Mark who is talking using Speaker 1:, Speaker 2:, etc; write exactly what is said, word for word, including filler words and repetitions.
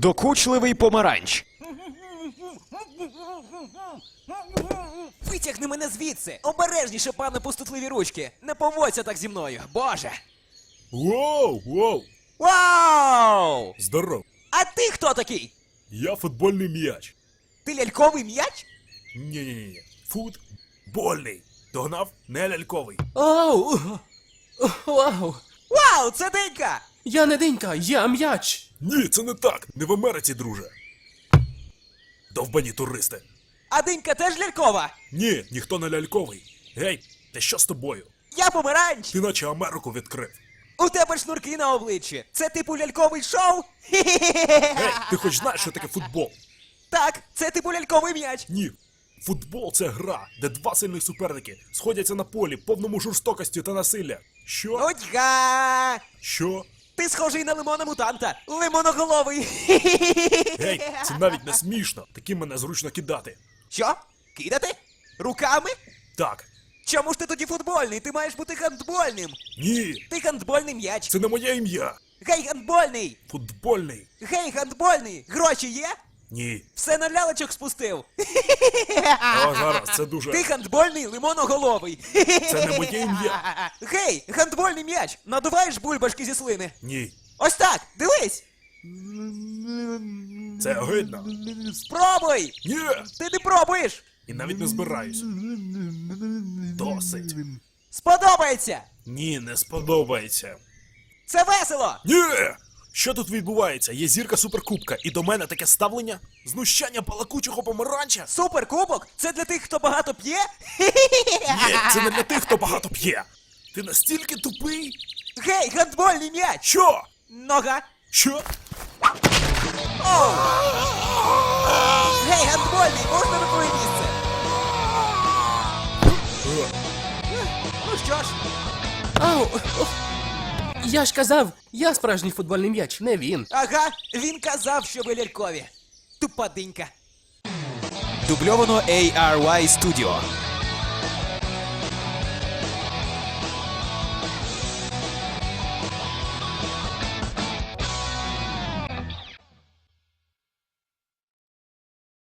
Speaker 1: Докучливий помаранч.
Speaker 2: Витягни мене звідси! Обережніше, пане пустотливі ручки! Не поводься так зі мною, боже!
Speaker 3: Воу, воу!
Speaker 2: Вау!
Speaker 3: Здоров!
Speaker 2: А ти хто такий?
Speaker 3: Я футбольний м'яч.
Speaker 2: Ти ляльковий м'яч?
Speaker 3: Ні-ні-ні. Футбольний. Догнав? Не ляльковий.
Speaker 4: Оу! Вау!
Speaker 2: Вау, це Денька!
Speaker 4: Я не Денька, я м'яч!
Speaker 3: Ні, це не так. Не в Америці, друже. Довбані туристи.
Speaker 2: А Денька теж лялькова?
Speaker 3: Ні, ніхто не ляльковий. Гей, та що з тобою?
Speaker 2: Я помаранч!
Speaker 3: Ти наче Америку відкрив.
Speaker 2: У тебе шнурки на обличчі. Це типу ляльковий шоу?
Speaker 3: Гей, ти хоч знаєш, що таке футбол?
Speaker 2: Так, це типу ляльковий м'яч.
Speaker 3: Ні. Футбол — це гра, де два сильних суперники сходяться на полі, повному жорстокості та насилля. Що?
Speaker 2: Нудьга!
Speaker 3: Що?
Speaker 2: Ти схожий на лимона мутанта. Лимоноголовий.
Speaker 3: Гей, це навіть не смішно. Таким мене зручно кидати.
Speaker 2: Що? Кидати? Руками?
Speaker 3: Так.
Speaker 2: Чому ж ти тоді футбольний? Ти маєш бути гандбольним.
Speaker 3: Ні,
Speaker 2: Ти гандбольний м'яч.
Speaker 3: це не моє ім'я.
Speaker 2: Гей, гандбольний!
Speaker 3: Футбольний.
Speaker 2: Гей, гандбольний! Гроші є?
Speaker 3: Ні.
Speaker 2: Все на лялечок спустив.
Speaker 3: О, зараз, це дуже...
Speaker 2: Ти гандбольний лимоноголовий.
Speaker 3: Це не моє ім'я.
Speaker 2: Гей, гандбольний м'яч! Надуваєш бульбашки зі слини?
Speaker 3: Ні.
Speaker 2: Ось так, дивись!
Speaker 3: Це огидно.
Speaker 2: Спробуй!
Speaker 3: Ні.
Speaker 2: Ти не пробуєш!
Speaker 3: І навіть не збираюсь. Досить.
Speaker 2: Сподобається!
Speaker 3: Ні, не сподобається.
Speaker 2: Це весело!
Speaker 3: Ні! Що тут відбувається? Є зірка суперкубка, і до мене таке ставлення? Знущання балакучого помаранча?
Speaker 2: Суперкубок? Це для тих, хто багато п'є?
Speaker 3: Ні, це не для тих, хто багато п'є. Ти настільки тупий?
Speaker 2: Гей, гандбольний м'яч!
Speaker 3: Що?
Speaker 2: Нога!
Speaker 3: Що?
Speaker 2: Оу! Гей, гандбольний, можна на твоє місце? Ну що ж,
Speaker 4: Ау! О, я ж казав, я справжній футбольний м'яч, не він.
Speaker 2: ага, він казав, що ви лялькові. Тупа динька. Дубльовано ей ар вай Studio.